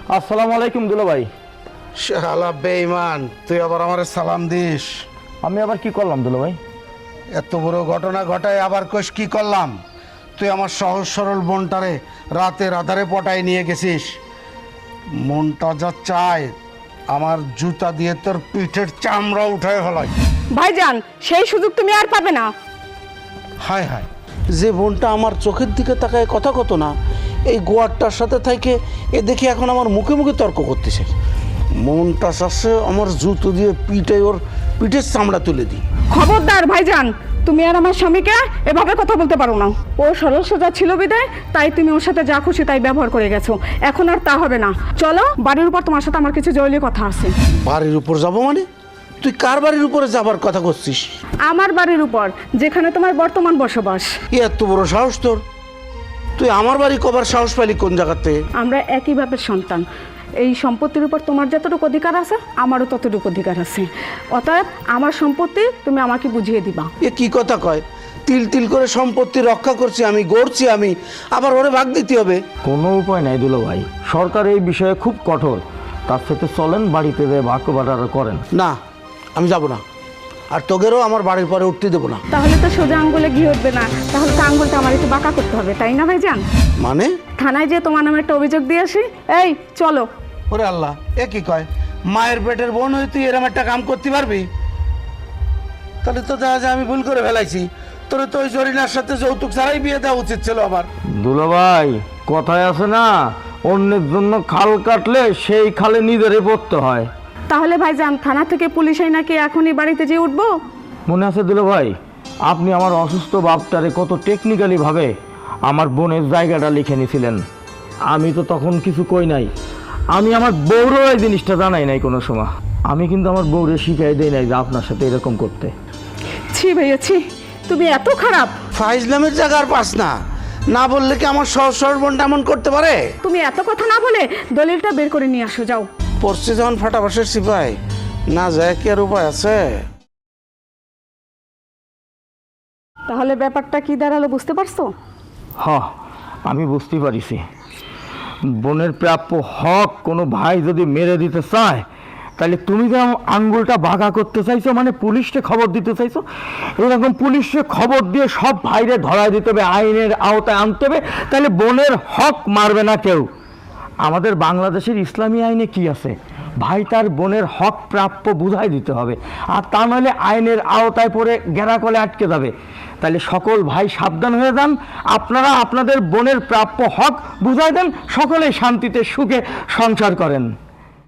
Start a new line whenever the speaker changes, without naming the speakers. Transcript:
আসসালামু আলাইকুম দুলা ভাই।
শালা বেঈমান, তুই আবার আমার সালাম দিস?
আমি আবার কি করলাম দুলা ভাই?
এত বড় ঘটনা ঘটায় আবার কোষ কি করলাম? তুই আমার সহজ সরল বোনটারে রাতের আধারে পটায় নিয়ে গেছিস। মনটা যা চায় আমার জুতা দিয়ে তোর পিঠের চামড়া উঠায় হলাই।
ভাইজান, সেই সুযোগ তুমি আর পাবে না।
হায় হায়, যে বোনটা আমার চোখের দিকে তাকায় কথা কত না, এই গোয়ারটার সাথে থাকে এ দেখি এখন আমার মুখে মুখে তর্ক করতেছে। মনটা চাচ্ছে আমার জুতো দিয়ে ওর পিঠের চামড়া তুলে দিই।
খবরদার ভাইজান, তুমি আর আমার স্বামীকে এভাবে কথা বলতে পারো না। ও সরল সোজা ছিল বিদায়, তাই তুমি ওর সাথে যা খুশি তাই ব্যবহার করে গেছো। এখন আর তা হবে না। চলো, বাড়ির উপর তোমার সাথে আমার কিছু জরুরি কথা আছে।
বাড়ির উপর যাবো মানে? তুই কার বাড়ির উপরে যাবার কথা করছিস?
আমার বাড়ির উপর, যেখানে তোমার বর্তমান বসবাস।
এত বড় সাহস তোর? তুই আমার বাড়ি কবার সাহস পাইলি কোন জায়গাতে?
আমরা একই বাপের সন্তান। এই সম্পত্তির উপর তোমার যতটুকু অধিকার আছে, আমারও ততটুকু অধিকার আছে। অতএব আমার সম্পত্তি তুমি আমাকে বুঝিয়ে দিবা।
এ কি কথা কয়? তিল তিল করে সম্পত্তি রক্ষা করছি আমি, গড়ছি আমি, আবার ওরে ভাগ দিতে হবে?
কোনো উপায় নাই দুলা ভাই, সরকার এই বিষয়ে খুব কঠোর। তার সাথে চলেন বাড়িতে যে ভাগ বাটারা করেন।
না, আমি যাব না, আর তোদেরও আমার বাড়ির পরে উঠতে দেবো না।
তাহলে তো সোজা আঙ্গুলে ঘি উঠবে না, তাহলে তো আঙ্গুলটা আমার একটু বাঁকা করতে হবে, তাই না ভাইজান?
মানে?
থানায় যে তোমার নামে একটা অভিযোগ দিয়ে আসি। এই চলো।
ওরে আল্লাহ, এ কি কয়? মায়ের পেটের বোন হয়ে তুই এরম একটা কাম করতে পারবি? তাহলে তো দেখা যায় আমি ভুল করে ফেলাইছি। তোর তো ওই জরিনার সাথে যৌতুক ছাড়াই বিয়ে দেওয়া উচিত ছিল আমার।
দুলা ভাই, কথায় আছে না, অন্যের জন্য খাল কাটলে সেই খালে নিজেরই পড়তে হয়।
তাহলে ভাইজান, থানা থেকে পুলিশ নাকি এখনই বাড়িতে যেয়ে উঠবো?
মনে আছে দুলা ভাই, আপনি আমার অসুস্থ বাপটারে কত টেকনিক্যালি ভাবে আমার বোনের জায়গাটা লিখে নিয়েছিলেন। আমি তো তখন কিছু কই নাই। আমি আমার বউরও এই জিনিসটা জানাই নাই কোনো সময়। আমি কিন্তু আমার বউরে শিখাই দেই নাই যে আপনার সাথে এরকম করতে।
ছি ভাইয়া ছি, তুমি এত খারাপ।
ফাইজলামের জায়গা আর পাস না। না বললে কি আমার সহজ সরল বোনটা এমন করতে পারে?
তুমি এত কথা না বলে দলিলটা বের করে নিয়ে আসো, যাও।
পড়ছে যখন ফাটাবাসের সিপাই, না যায় কি আর উপায় আছে?
তাহলে ব্যাপারটা কি দাঁড়ালো বুঝতে পারছো?
আমি বুঝতে পারিছি। বোনের প্রাপ্য হক কোনো ভাই যদি মেরে দিতে চায়, তাহলে তুমি যে আঙ্গুলটা বাঁকা করতে চাইছো, মানে পুলিশকে খবর দিতে চাইছো। এরকম পুলিশকে খবর দিয়ে সব ভাইরে ধরায় দিতে হবে, আইনের আওতায় আনতে হবে, তাহলে বোনের হক মারবে না কেউ। আমাদের বাংলাদেশের ইসলামী আইনে কি আছে? ভাই তার বোনের হক প্রাপ্য বুঝাই দিতে হবে, আর তা নইলে আইনের আওতায় পড়ে গেরাকলে আটকে যাবে। তাহলে সকল ভাই সাবধান হয়ে যান, আপনারা আপনাদের বোনের প্রাপ্য হক বুঝাই দেন, সকলে শান্তিতে সুখে সংসার করেন।